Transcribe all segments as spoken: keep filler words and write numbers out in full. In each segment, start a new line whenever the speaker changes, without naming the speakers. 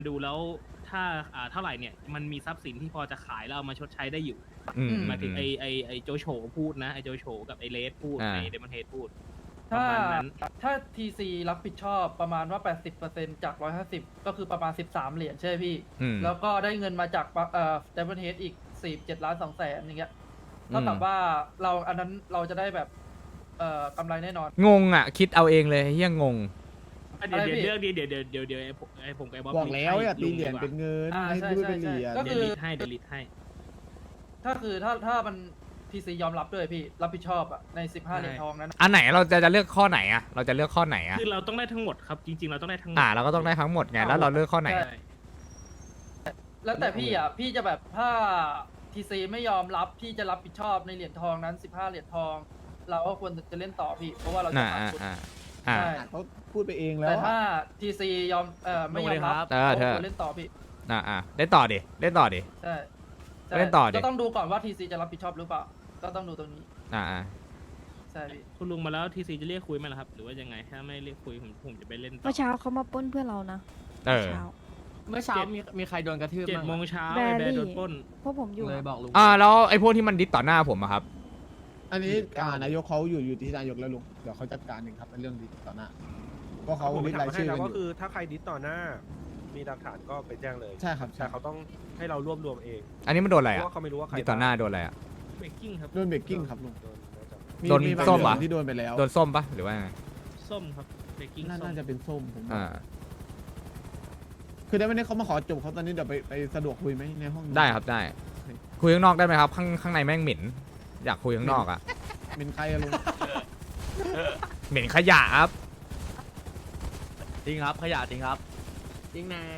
ดูแล้วถ้าอ่าเท่าไหร่เนี่ยมันมีทรัพย์สินที่พอจะขายแล้วเอามาชดใช้ได้อยู่
อืม
หมายถึงไอไอไอโจโฉพูดนะไอโจโฉกับไอเลสพูด
อ่า
ไอเดมอนเฮดพูดป
ถ้า
ระมาณนั้น
ถ้า ที ซี รับผิดชอบประมาณว่า แปดสิบเปอร์เซ็นต์ จาก หนึ่งร้อยห้าสิบ ก็คือประมาณ สิบสาม เหรียญใช่ไหมพี่
อืม
แล้วก็ได้เงินมาจากปะเอ่อ Diamond Head อีก สี่สิบเจ็ดล้านสองแสนอย่างเงี้ยเท่ากับว่าเราอันนั้นเราจะได้แบบเอ่อกำไรแน่นอน
งงอ่ะ คิดเอาเองเลยเฮียงง
อ่ะเดี๋ยว
อะไรพี่
เดี๋ยวเรื่องนี้เดี๋ยวเดี๋ยวเดี๋ยวเดี๋ยวไอ้ผมไอ้ผมกับไอ้บ๊อบ
บอกแล้วอย่าตีเหรียญ
ลุง
เป็นเงิน
อ่า
ให้
ใช่
พูด
ใช่
เป็นเหรียญ
ใช่ก็
เดี๋ยวลิทให้เดี๋ยวลิทให้
ถ้าคือถ้าถ้ามัน ที ซี ยอมรับด้วยพี่รับผิดชอบอะใน สิบห้า เหรียญทองนั้น
อันไหนเราจะจะเลือกข้อไหนอ่ะ เราจะเลือกข้อไหนอ่ะ
คือเราต้องได้ทั้งหมดครับจริง ๆ เราต้องได้ทั้งหมด
อ่าเราก็ต้องได้ทั้งหมดไง แล้วเราเลือกข้อไหน
ใช่ แล้วแต่พี่อ่ะพี่จะแบบถ้า ที ซี ไม่ยอมรับที่จะรับผิดชอบในเหรียญทองนั้น สิบห้า เหรียญทอง เราก็ควรจะเล่นต่อพี่ เพราะว่าเราจะ
อ่า
ขาด
อ่า
ทุน
อ่าอ่า
ใช่
เขาพูดไปเองแล้ว
แต่
อะ
ถ้า ที ซี ยอมเอ่อไม่ยอมรับ
เออเธอ
ราควรเล่นต่อพี่
อ่าอ่าเล่นต่อดิ เล่นต่อดิ
ใช่ใช่
เล่นต่อดิ
ก็ต้องดูก่อนว่า ที ซี จะรับผิดชอบหรือเปล่า ก็ต้องดูตรงนี้
อ่าอ่า
ใช่พี่
คุณลุงมาแล้วทีซีจะเรียกคุยไหมล่ะครับ หรือว่ายังไงถ้าไม่เรียกคุยผมผมจะไปเล่นต่อ
เมื่อเช้าเขามาปล้นเพื่อนเรานะ
เออ
เช้า
เมื่อเช้ามีมีใครโดนกระทืบ
เจ็ด
บ้าง
โม
อะ
งเช้า
แบ
ไอ้
รี่
แบร์โดนปล้น
พวกผมอยู่
เลย
อะ
บอกลุง
อ่าแล้วไอ้พวกที่มันดิสต่อหน้าผมอะครับ
อันนี้อ่านายกเขาอยู่อยู่ที่นายกแล้วลุงเดี๋ยวเขาจัดการเองครับในเรื่องดีต่อหน้าเพราะเขา
ผม
ลิ
ไม่
สต์
ถาร
าย
มให้
ชื่อ
นะ
กันอ
ก็
ยู่
คือถ้าใครดิสต่อหน้า มีหลักฐานก็ไปแจ้งเลย
ใช่ครับใช่
แต่เขาต้องให้เรารวบรวมเอง
อันนี้มันโดนอะไร
เพ
อ่ะ
ราะว่าเขาไม่รู้ว่าใคร
ดิสต่อหน้าโดนอะไรอ่ะ
เบรกกิ้งครับ
โดนเบรกกิ้งครับลุง
โดนน่าจะ
มี
โดน
มีใบ
ส้ม
เหลื
ปะ
องที่โดนไปแล้ว
โดนส้มปะหรือว่าไง
ส้มครับเบรกกิ้ง
น่า
ส้ม
น่าจะเป็นส้มผม
อ่า
คือได้ไม่ได้เขามาขอจบเขาตอนนี้เดี๋ยวไปไปสะดวกคุยไหมในห้อง
ได้ครับได้ คุยข้างนอกได้ไหมครับ ข้างข้างในแม่งเหม็น อยากคุยข้างนอกอ่ะ
เป็นใครอะลุง
เหม็นขยะครับ
จริงครับขยะจริงครับ จริงนะ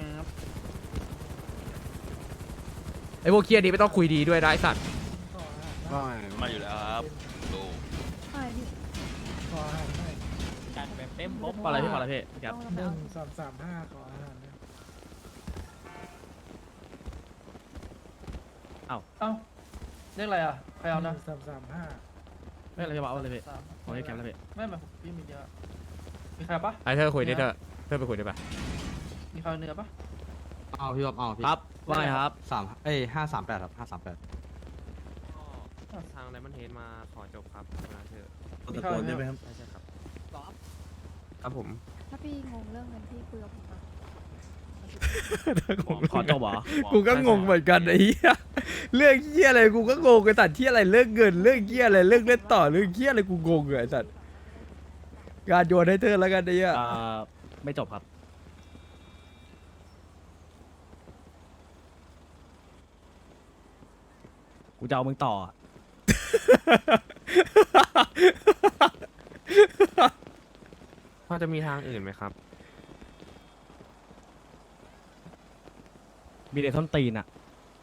ไอ้พวกเครียดนี้ไม่ต้องคุยดีด้วยนะไอ้สัตว์
มาอยู่แล้วครับดู
ใช่พี่
จัดแบบเต็มปุ๊บอะไรพี่มาละพี่ครับ
หนึ่ง
สามสามห้าขออาหารนะ
เอ้าเรียกอะไรอ่ะใครเอานะ
สามสามห้า
ไม่อะไรพี่มาเอาเลยพี่
สาม
ขอให้แคมป์แล้วพี่
ไม่มาพี่มีเยอะมีใครปะ
ไอ้เธอคุยดิเธอเธอไปคุยได้ปะ
มีใครเอาเนื้อปะ
เอาพี่ครับเอาพี่ครับว่าไงครับสามเอ้ยห้าสามแปดครับห้าสามแปด
ทางไดมอนเฮดมาขอจบครับมาเถอะ
มีใครเอาเนื้อปะ
ใช่ใช่ครับครับผม
ถ้าพี่งงเรื่องเงินพี่คุยกับผมนะ
ขอจบเหรอ
กูก็งงเหมือนกันไอ้เหี้ยเรื่องเหี้ยอะไรกูก็งงไอ้สัตว์ที่อะไรเรื่องเงินเรื่องเหี้ยอะไรเรื่องเล่นต่อเรื่องเหี้ยอะไรกูงงเลยไอ้สัตว์การโยนให้เธอแล้วกันไอ้เหี้ย
อ่าไม่จบครับ กูจะเอามึงต่ออะ
พอจะมีทางอื่นไหมครับ
มีแต่ส้นตีนอ่ะ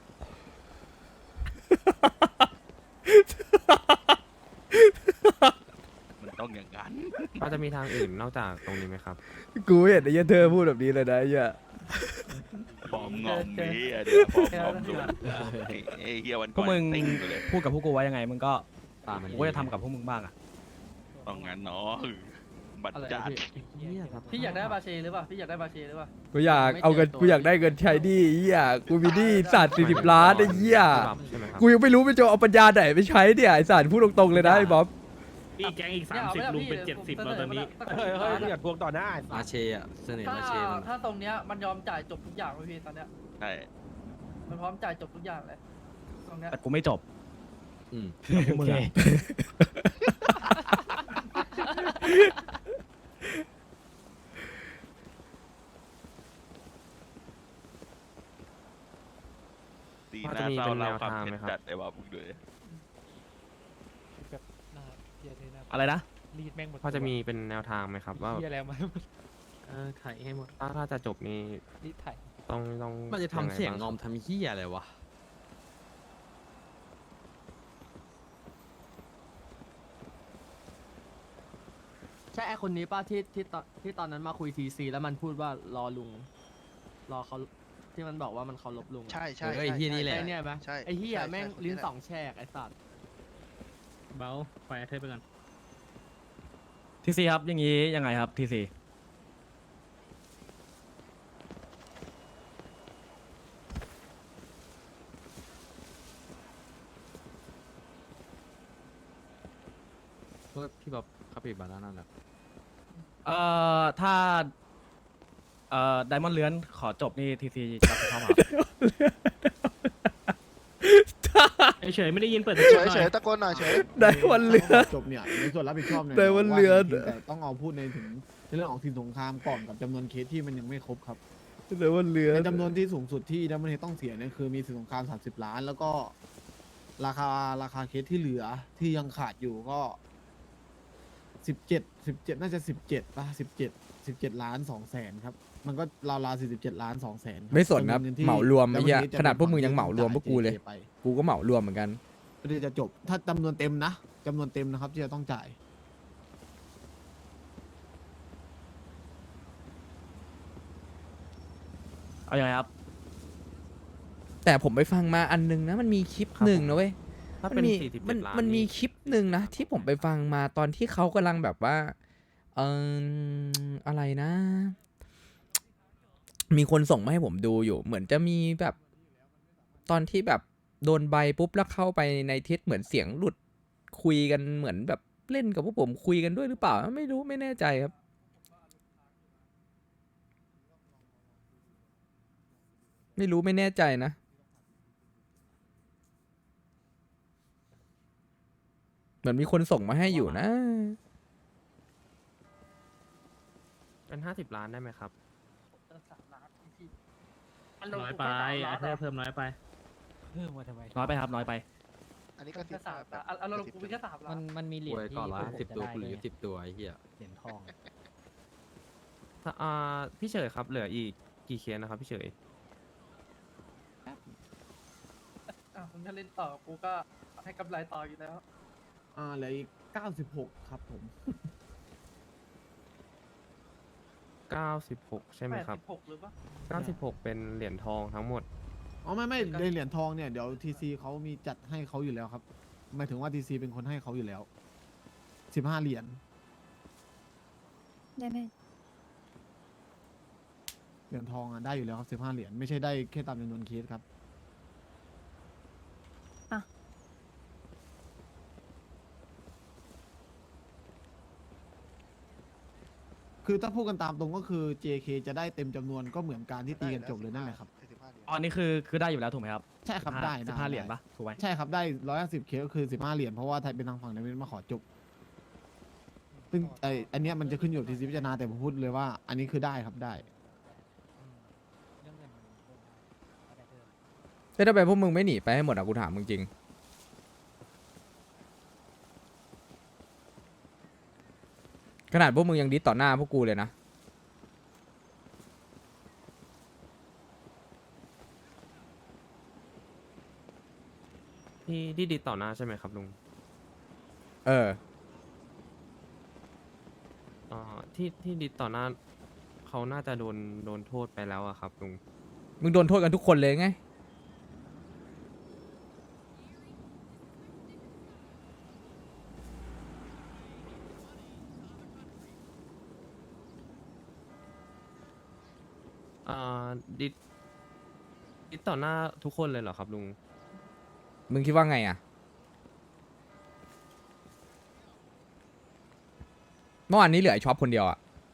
มันต้องอย่างนั้น
พอจะมีทางอื่นนอกจากตรงนี้ไหมครับ
กูเห็นไอ้เหี้ยเธอพูดแบบนี้เลยนะไอ้เหี้ย
ฟอร์มงอมนี้อะเดี๋ยวฟอร์มงอมดูไอ้ไอ้เฮียวัน
พวกมึง
ติ้งอยู่เลย
พูดกับพวกกูไว้ยังไงมึงก็กูก็จะทำกับพวกมึงบ้างอ่ะ
ต้องงั้นเนาะบัตรจัด
พี่อยากได้บาเชหรือเปล่าพี่อยากได้บาเชหรือเปล่า
กูอยากเอาเงินกูอยากได้เงินใช้หนี้ไอ้เหี้ยกูมีหนี้สัตว์สี่สิบล้านไอ้เหี้ย
ใช่ไหมครับ
กูยังไม่รู้ไปจะเอาปัญญาไหนไปใช้เนี่ยไอ้สัตว์พูดตรงๆเลยนะไอ้บ๊อบ
พี่แก๊งอีกสามสิบลุงเป็นเจ็ดสิบแล้วตอนนี้
เฮ้ยเฮ้ยอย่าทวงต่อหน้า
มาเชอ่ะเสน่ห์
ถ้า
มาเชมัน
ถ้าตรงเนี้ยมันยอมจ่ายจบทุกอย่างเลยพี่ตอนเนี้ย
ใช่
มันพร้อมจ่ายจบทุกอย่างเลยตรงเนี้ย
แต่กูไม่จบ อืมมึงไง
ตีหน้าเศร้าเราความเผ็ดจัดไอ้บ้ามึงด้วย
แบบหน้าเฮียเทน่า
อะไรนะ
รีดแม่งหมด
พอจะมีเป็นแนวทางไหมครับว่า
เฮียแล้วมา
เออถ่ายให้หมดถ้าถ้าจะจบนี้
รีดไถ่
ต้องต้อง
มันจะทำเสียงงอม
ไบ้า
ทำเหี้ยอะไรวะ ใช่ไอคนนี้ป้าที่ที่ตอนที่ตอนนั้นมาคุยทีซีแล้วมันพูดว่ารอลุง รอเขาที่มันบอกว่ามันเคารพลุงอะ
ใช่ใช่
เออไอ้เหี้ยนี่แหละ
ใช่
ไอ้เนี่ยปะ
ใช่
ไอ้เหี้ย
ใช่
แม่ง
ใช่
ลิ้น
ใช่
สองแฉกไอ้สัตว์
เบาไฟเทปไปก่อน
ทีซีครับอย่างนี้ยังไงครับทีซี
พี่บ๊อบคาปิบาร่านั่นแหละ
เอ่อถ้าเอ่อไดมอนด์เลื้อนขอจบนี่ทีซีรับผิดชอบครับ
เฉยๆไม่ได้ยินเปิด
เฉ
เฉ
ย
ย
เฉยๆตะโกนหน่อยเฉย
ได้วันเรือ
จบเนี่ยในส่วนรับผิดชอบเนี่ย
แต่ว่าเรือ
ว่าจริงๆแต่ต้องเอาพูดในถึงในเรื่องของสินสงครามก่อนกับจำนวนเคสที่มันยังไม่ครบครับ
แต่วันเรือ
ในจำนวนที่สูงสุดที่ดัมเบิลเฮดต้องเสียเนี่ยคือมีสินสงครามสามสิบล้าน แล้วก็ราคาราคาเคสที่เหลือที่ยังขาดอยู่ก็สิบเจ็ดสิบเจ็ดน่าจะสิบเจ็ดป่ะสิบเจ็ดสิบเจ็ดล้านสองแสนครับ มันก็ราวๆสี่สิบเจ็ดล้านสองแสน
ไม่สนครับเหมารวมไอ้เหี้ย
Diamond Head จะ
ขนาดพวก
เป็น
มึงยัง
ฝั่
เหมารวมพวกกูเลย
จ่า JK ไป
กูก็เหมารวมเหมือนกัน
เพื่อที่จะจบถ้าจำนวนเต็มนะจำนวนเต็มนะครับที่จะต้องจ่าย
เอาอย่างไรครับ
แต่ผมไปฟังมาอันนึงนะมันมีคลิปหนึ่งนะเว้ย
ถ้า
มั
เป็น
มี
สี่สิบ
มัน
เจ็ดล้าน
มันมี
นี่
คลิปหนึ่งนะที่ผมไปฟังมาตอนที่เขากำลังแบบว่าเอออะไรนะ มีคนส่งมาให้ผมดูอยู่ เหมือนจะมีแบบตอนที่แบบโดนใบปุ๊บแล้วเข้าไปในทิศเหมือนเสียงหลุดคุยกันเหมือนแบบเล่นกับพวกผมคุยกันด้วยหรือเปล่าไม่รู้ไม่แน่ใจครับ ไม่รู้ไม่แน่ใจนะ เหมือนมีคนส่งมาให้อยู่นะ
เป็นห้าสิบล้านได้ไหมครับ
สามล้านพี่มัน
ๆ
ลง
น้อย
ทุน
ไป
แค่สามล้า
อ่ะ
น
เพิ่ม
อะ
เพิ่มน้อยไป
เพิ่มมาทำไม
น้อยไปครับ น้อยไป
อันนี้ก็
แค่
สิบ
สามล้านอ่ะเราลงทุนไปแค่สามล้า
มัน นมันมีเหรียญ
ป่วย
ที่
ก่อนละ
พวกผม
สิบ
จะ
ตัว
ได้
กูเหลือ
ด้วย
สิบตัวไอ้เหี้ย
เหรียญทอง
อ่าพี่เฉยครับ เหลืออีกกี่เคสนะครับพี่เฉย
อ่ะมึงถ้าเล่นต่อกูก็ให้กำไรต่ออยู่แล้ว
อ่าเหลืออีกเก้าสิบหกครับผม
เก้าสิบหกใช่ไหม
แปด
ครับ
สิบหกหรือปะ
เก้าสิบหกเป็นเหรียญทองทั้งหมด
อ๋อไม่ไม่ในเหรียญทองเนี่ยเดี๋ยวทีซีเขามีจัดให้เขาอยู่แล้วครับหมายถึงว่าทีซีเป็นคนให้เขาอยู่แล้วสิบห้าเหรียญ
ได้ไหม
เหรียญทองอ่ะได้อยู่แล้วครับสิบห้าเหรียญไม่ใช่ได้แค่ตามจำนวนเคสครับ
อ่ะ
คือถ้าพูดกันตามตรงก็คือ เจ เค จะได้เต็มจำนวนก็เหมือนการที่ตีกันจบเลยนั่นแหละครับ
สิบห้าเหรียญ
อ๋อนี่คือคือได้อยู่แล้วถูกไหมครับ
ใช่ครับได้
สิบห้าเหรียญปะถูกไหม
ใช่ครับได้ร้อยห้าสิบเคสก็คือสิบห้าเหรียญเพราะว่าไทยเป็นทางฝั่งในเวนมาขอจบ ซึ่งไออันเนี้ยมันจะขึ้นอยู่ที่พิจารณาแต่ผมพูดเลยว่า อันนี้คือได้ครับได้
เรื่องเงินมันเพิ่มได้ก็ได้เพิ่ม
เฮ้ยทำไมพวกมึงไม่หนีไปให้หมดอ่ะกูถามมึงจริง ขนาดพวกมึงยังดิสต่อหน้าพวกกูเลยนะ
ที่ที่ดีต่อหน้าใช่ไหมครับลุง
เออ
อ่าที่ที่ดีต่อหน้าเขาน่าจะโดนโดนโทษไปแล้วอะครับลุง
มึงโดนโทษกันทุกคนเลยไง
อ่าดิดดิดต่อหน้าทุกคนเลยเหรอครับลุง
มึงคิดว่าไงอ่ะ เมื่อวานนี้เหลือไอ้ช็อปคนเดียวอ่ะ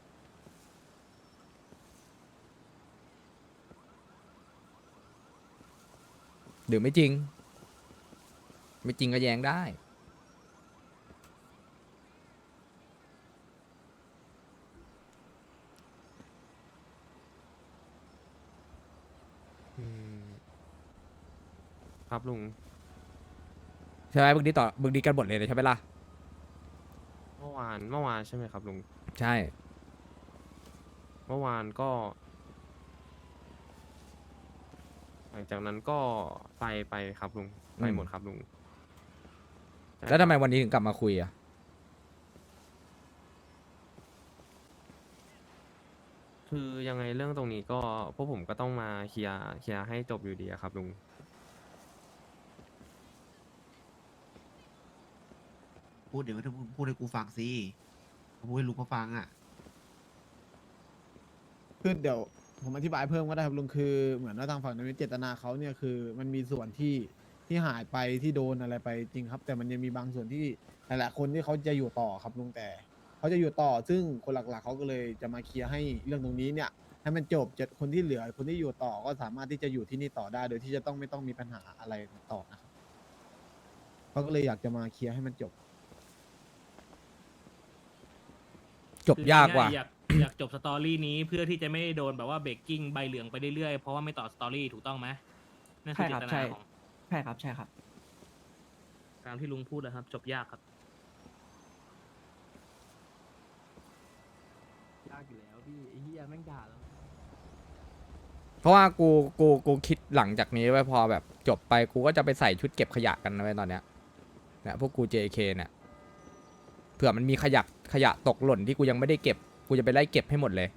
หรือไม่จริง ไม่จริงก็แย้งได้
อืมครับลุง
ใช่ไหมมึงดีต่อมึงดีกันหมดเลยใช่ไหมล่ะ
เมื่อวานเมื่อวานใช่ไหมครับลุง
ใช่
เมื่อวานก็ หลังจากนั้นก็ไปไปครับลุงไป
อืม
หมดครับลุงใช่
แล้วทำไม
ครับ
วันนี้ถึงกลับมาคุยอ่ะ
คือยังไงเรื่องตรงนี้ก็พวกผมก็ต้องมาเคลียร์เคลียร์ให้จบอยู่ดีอะครับลุง
พูดเดี๋ยวถ้าพูดให้กูฟังสิพูดให้ลุงเขาฟังอ่ะ
คือเดี๋ยวผมอธิบายเพิ่มก็ได้ครับลุงคือเหมือนว่าทางฝั่งในเจตนาเขาเนี่ยคือมันมีส่วนที่ที่หายไปที่โดนอะไรไปจริงครับ แต่มันยังมีบางส่วนที่หลายๆคนที่เขาจะอยู่ต่อครับลุงแต่เขาจะอยู่ต่อซึ่งคนหลักๆเขาก็เลยจะมาเคลียร์ให้เรื่องตรงนี้เนี่ยให้มันจบจะคนที่เหลือคนที่อยู่ต่อก็สามารถที่จะอยู่ที่นี่ต่อได้ โดยที่จะต้องไม่ต้องมีปัญหาอะไรต่อนะครับเขาก็เลยอยากจะมาเคลียร์ให้มันจบ
จบยากว่ะ
อยากอยากจบสตอรี่นี้เพื่อที่จะไม่โดนแบบว่าเบรกกิ้งใบเหลืองไปเรื่อยๆเพราะว่าไม่ต่อสตอรี่ถูกต้องไหมนั่นคือเจตนาของ
ใช่ครับใช่ครับ
ตามที่ลุงพูดนะครับ จบยากครับ
ยากอยู่แล้วพี่ไอ้เหี้ยแม่งด่าแล้ว
เพราะว่ากูกูกูคิดหลังจากนี้ไว้พอแบบจบไปกูก็จะไปใส่ชุดเก็บขยะกันนะไว้ตอนเนี้ยเนี่ยพวกกู เจ เค เนี่ยเผื่อมันมีขยะขยะตกหล่นที่กูยังไม่ได้เก็บกูจะไปไล่เก็บให้หมดเลย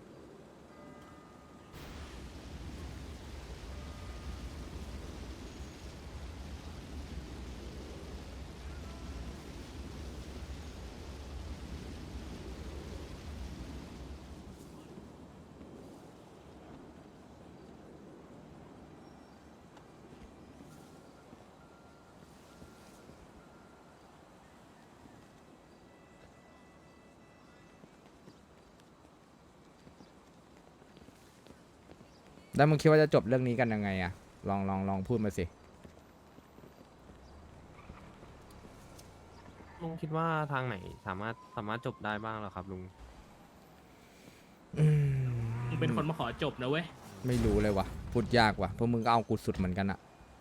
แล้วมึงคิดว่าจะจบเรื่องนี้กันยังไงอะลองลองลองพูดมาสิ
ลุงคิดว่าทางไหนสามารถสามารถจบได้บ้างเหรอครับลุง
อืม
มึงเป็นคนมาขอจบนะเว้ย
ไม่รู้เลยว่ะพูดยากว่ะเพราะมึงก็เอากูสุดเหมือนกันอะ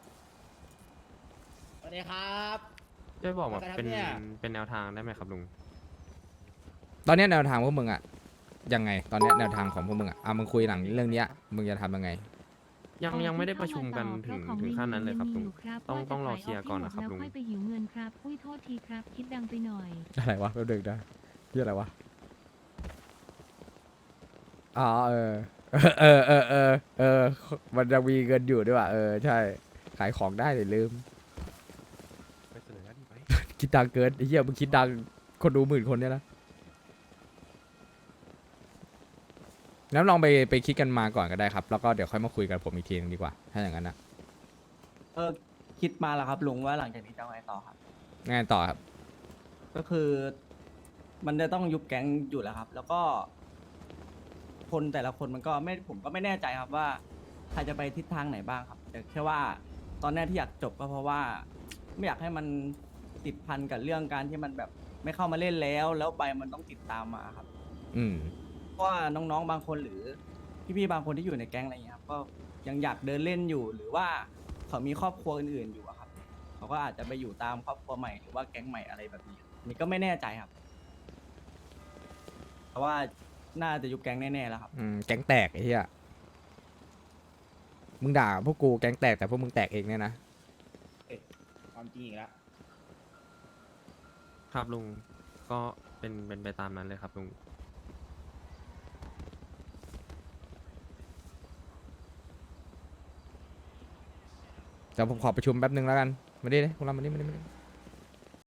สวัสดีครับ
ช่วยบอกแบบเป็น
อะไรครับเนี่ย
เป็นแนวทางได้ไหมครับลุง
ตอนเนี้ยแนวทางพวกมึงอะยังไง ตอนเนี้ยแนวทางของพวกมึงอะอ่ะมึงคุยหลังเรื่องเนี้ยมึงจะทำยังไง
ยังยังไม่ได้ประชุมกันถึงถึงขั้นนั้นเลยครับลุง ต้องต้องรอเคลียร์ก่อนนะครับลุง
แล้วค่อยไปหิวเงินครับ อุ้ยโทษทีครับ คิดดังไปหน่อย
อะไรวะแป๊บนึงนะเรื่องอะไรวะอ๋อเออเออเออเออเออมันจะมีเงินอยู่ด้วยว่ะเออใช่ขายของได้เลยลืม
ไปเสนอหน้าที่ไป
คิดดังเกินไอ้เหี้ยมึงคิดดังคนดูหมื่นคนเนี่ยนะแล้วลองไปไปคิดกันมาก่อนก็ได้ครับ แล้วก็เดี๋ยวค่อยมาคุยกันผมอีกทีนึงดีกว่า ถ้าอย่างนั้นนะ
เออคิดมาแล้วครับลุงว่าหลังจากนี้จะไงต่อครับ
งานต่อครับ
ก็คือมันจะต้องยุบแก๊งอยู่แล้วครับ แล้วก็ คนแต่ละคนมันก็ไม่ผมก็ไม่แน่ใจครับว่าใครจะไปทิศทางไหนบ้างครับ แต่แค่ว่าตอนแรกที่อยากจบก็เพราะว่า ไม่อยากให้มันติดพันกับเรื่องการที่มันแบบไม่เข้ามาเล่นแล้ว แล้วใบมันต้องติดตามมาครับ
อืม
เพราะว่าน้องๆบางคนหรือพี่ๆบางคนที่อยู่ในแก๊งอะไรเงี้ยครับก็ยังอยากเดินเล่นอยู่ หรือว่าเขามีครอบครัวอื่นๆอยู่อะครับเขาก็อาจจะไปอยู่ตามครอบครัวใหม่หรือว่าแก๊งใหม่อะไรแบบนี้อันนี่ก็ไม่แน่ใจครับเพราะว่าน่าจะยุบแก๊งแน่ๆแล้วครับ
อืมแก๊งแตกไอ้เหี้ยมึงด่าพวกกูแก๊งแตกแต่พวกมึงแตกเองเนี่ยนะ
ความจริงอีกแล้ว
ครับลุง ก็เป็นเป็นไปตามนั้นเลยครับลุง
เดี๋ยวผมขอประชุมแป๊บนึงแล้วกันมาดิเลยพวกเรามาดิมาดิมาดิ